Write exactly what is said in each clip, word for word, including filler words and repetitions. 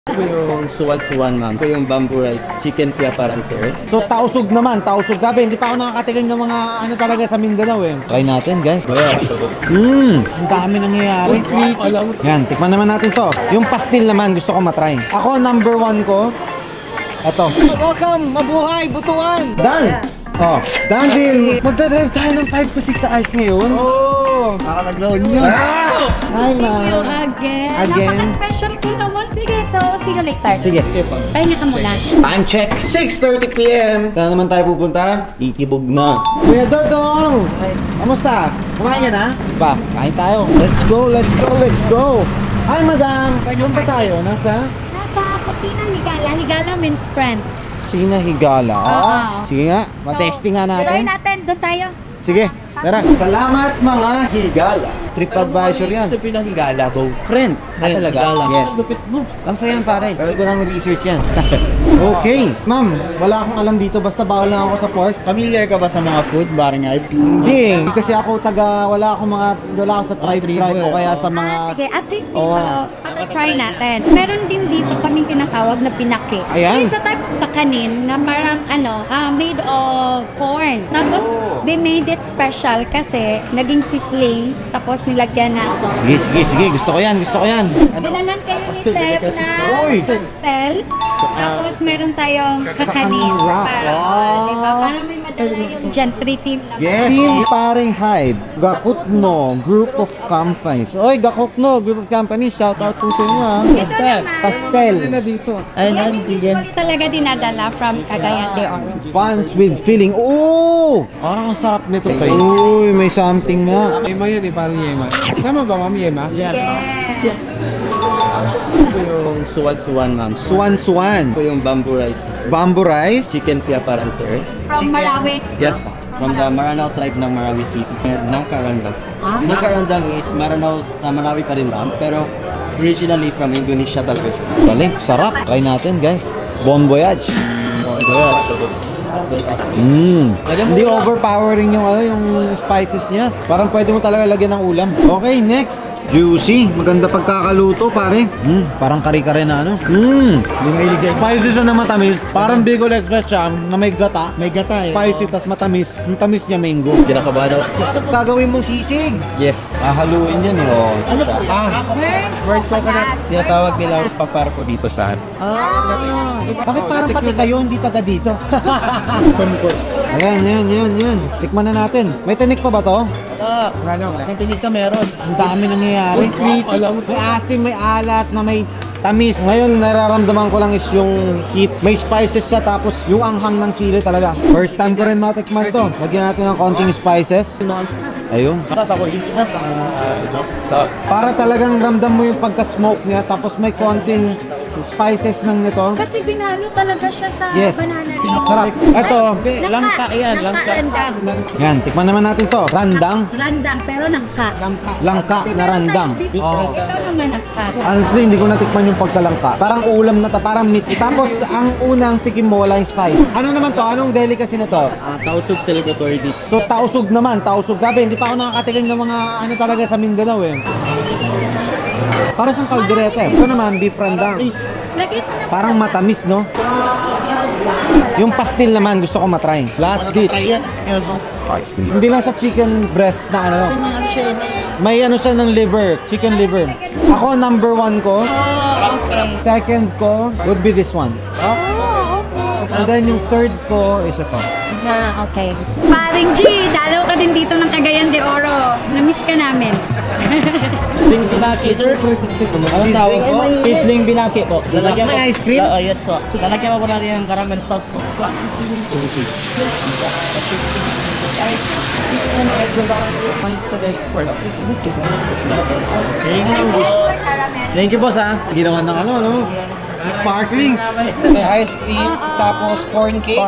Ito yung suwan-suwan, ma'am. Ito yung bamboo rice. Chicken pia parang sir. So, tausog naman, tausog. Grabe, hindi pa ako nakakatikim ng mga ano talaga sa Mindanao eh. Try natin, guys. Mmm, ang dami nangyayari. Yan, tikman naman natin to. Yung pastil naman, gusto ko matry. Ako, number one ko. Ito. Welcome, mabuhay, butuan. Dan! Oh, Danville! Magdadrive tayo ng five to six sa ice ngayon. Oh! Nakakaglaon yun. Hi, Thank you ma'am. again. Again. Napaka-special ko naman. Sige, so see you later. Sige. Pahinga ka muna. Time check. six thirty p m Saan naman tayo pupunta? Itibog na. Kuya Dodong! Kamusta? Kumain ka na? Ba, kain tayo. Let's go, let's go, let's go. Hi, madam. Doon ba tayo? Nasa? Nasa Kusina Higala. Higala means friend. Sina Higala. Oo. Sige nga, matesting nga Tuloy natin. natin. Doon tayo. Sige, tara. Salamat mga Higala. TripAdvisor yan. Sabi ng higala, bo. Friend. Ah, talaga? Yes. Lupit mo. Lang pa yan, pare. Dahil ko lang research yan. Okay. Ma'am, wala akong alam dito. Basta bawal lang ako sa pork. Familiar ka ba sa mga food, barangay? Hindi. Hindi kasi ako taga, wala akong mga, wala ako sa tribe tribe o kaya sa mga... Ah, sige. At least dito, Oo. try natin. Meron din dito kaming tinatawag na pinaki. Ayan. It's a type of kakanin na parang ano, ah, made of corn. Tapos, Oh. they made it special kasi naging sisling. Tapos nilagyan na Sige, sige, sige. Gusto ko yan, gusto ko yan. Dinalan kayo ni Seth na Uy! pastel. Tapos meron tayong kakanin. Kakanin wrap. Para, Wow. diba? Para may madala yung gentry team naman. Yes. Team Paring Hyde. Gakutno. Group of companies. Oy, Gakutno. Group of companies. Shout out po sa inyo ha. Ito naman. Pastel. dito. Yan yung usually talaga dinadala from Cagayan de Oro. Buns with filling. Oh! Parang ang sarap nito. Uy, may something nga. Yema yun eh, parang yema. Tama ba, ma'am, yema? Yes. Ito yung suwan-suwan, ma'am. Suwan-suwan. Ito yung bamboo rice. Bamboo rice. Chicken pia parang sir. From Marawi. Yes, from the Maranao tribe ng Marawi City. Ng Karandang. Ah? Ng Karandang is Maranao, sa Marawi pa rin ma'am, pero originally from Indonesia talaga siya. Galing. Sarap. Try natin guys. Bon voyage. Mmm. Hindi overpowering yung ano, yung spices niya. Parang pwede mo talaga lagyan ng ulam. Okay, next. Juicy. Maganda pagkakaluto, pare. Mm, parang kare-kare na ano. Mmm. Spices na matamis. Parang Bicol Express siya na may gata. May gata eh. Spicy, tas matamis. Yung tamis niya mango. Kinakabahan ako. Gagawin mong sisig. Yes. Hahaluin yan eh. Oh. Ano pa? Ah, first coconut. Tinatawag nila paparko dito sa Ah, bakit parang pati kayo hindi taga dito? Ayan, yan, yan, yan. Tikman na natin. May tinik pa ba to? Ah, ano? Ang tinig ka meron. Ang dami nangyayari. Alam mo May asim, may alat, na may tamis. Ngayon, nararamdaman ko lang is yung heat. May spices siya, tapos yung anghang ng sili talaga. First time ko rin matikman to. Lagyan natin ng konting spices. Ayun. Para talagang ramdam mo yung pagka-smoke niya, tapos may konting spices ng nito. Kasi binalo talaga siya sa Yes. banana. Sarap. Ito. Langka yan, langka. Randang. Yan, tikman naman natin to. Randang. Randang, pero nangka. Langka na randang. Oh. Ito naman nangka. Honestly, hindi ko natikman yung pagkalangka. Parang ulam na to, parang meat. Tapos, ang unang tikim mo, wala yung spice. Ano naman to? Anong delicacy na to? Ah, Tausug celebratory dish. So, tausog naman, tausog. Grabe, hindi pa ako nakakatikim ng mga ano talaga sa Mindanao eh. Parang siyang kaldereta eh. Ito naman, beef randang. Lagay ko na. Parang matamis, no? Yung pastil naman, gusto ko matry. Last dish. Hindi lang sa chicken breast na ano. May ano siya ng liver, chicken liver. Ako, number one ko. Second ko would be this one. And then yung third ko is ito. Ah, okay. Paring G, dalaw ka din dito ng Cagayan de Oro. Namiss ka namin. Sizzling binaki, sir. Anong tawag po? Sizzling binaki po. Lalagyan May ice cream? Oo, yes po. Lalagyan po natin ng caramel sauce po. Thank you, boss, ha. Ginawa ng ano, no? Sparklings. Ice cream, tapos corn cake.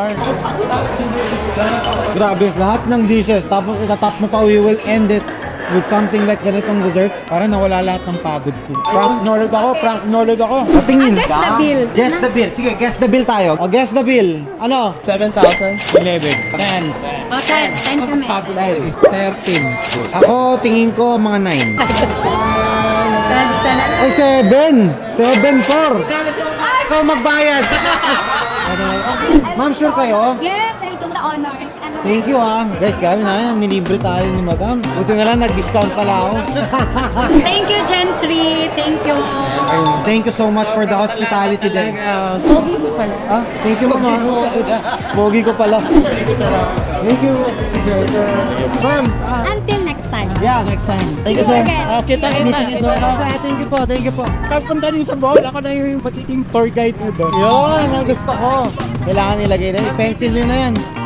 Grabe, lahat ng dishes. Tapos itatap mo pa, we will end it with something like ganitong dessert. Para nawala lahat ng pagod ko. Prank knowledge ako, prank knowledge ako. Patingin Ah, guess ka. the bill. Guess the bill. Sige, guess the bill tayo. O, guess the bill. Ano? seven thousand, eleven, ten, Okay, ten kami. Dahil. thirteen. Ako, tingin ko mga nine. Ay, seven! seven four! Ikaw magbayad! Ma'am, sure kayo? Yes, I took the honor. Ano? Thank you ah. Guys, grabe na yan. Nilibre tayo ni madam. Buti nga lang, nag-discount pala ako. Thank you, Gentry. Thank you. Thank you so much for the hospitality din. Sobi mo pala. Ah, thank you mama. Pogi ko pala. Thank you. Ma'am. ah, Until next time. Yeah, next time. Thank you, sir. Okay. kita kita. Meeting is over. Thank you po, thank you po. Kapag punta niyo sa Bohol, ako na yung magiging tour guide mo doon. Yun, ang gusto ko. Kailangan ilagay na. Pencil nyo na yan.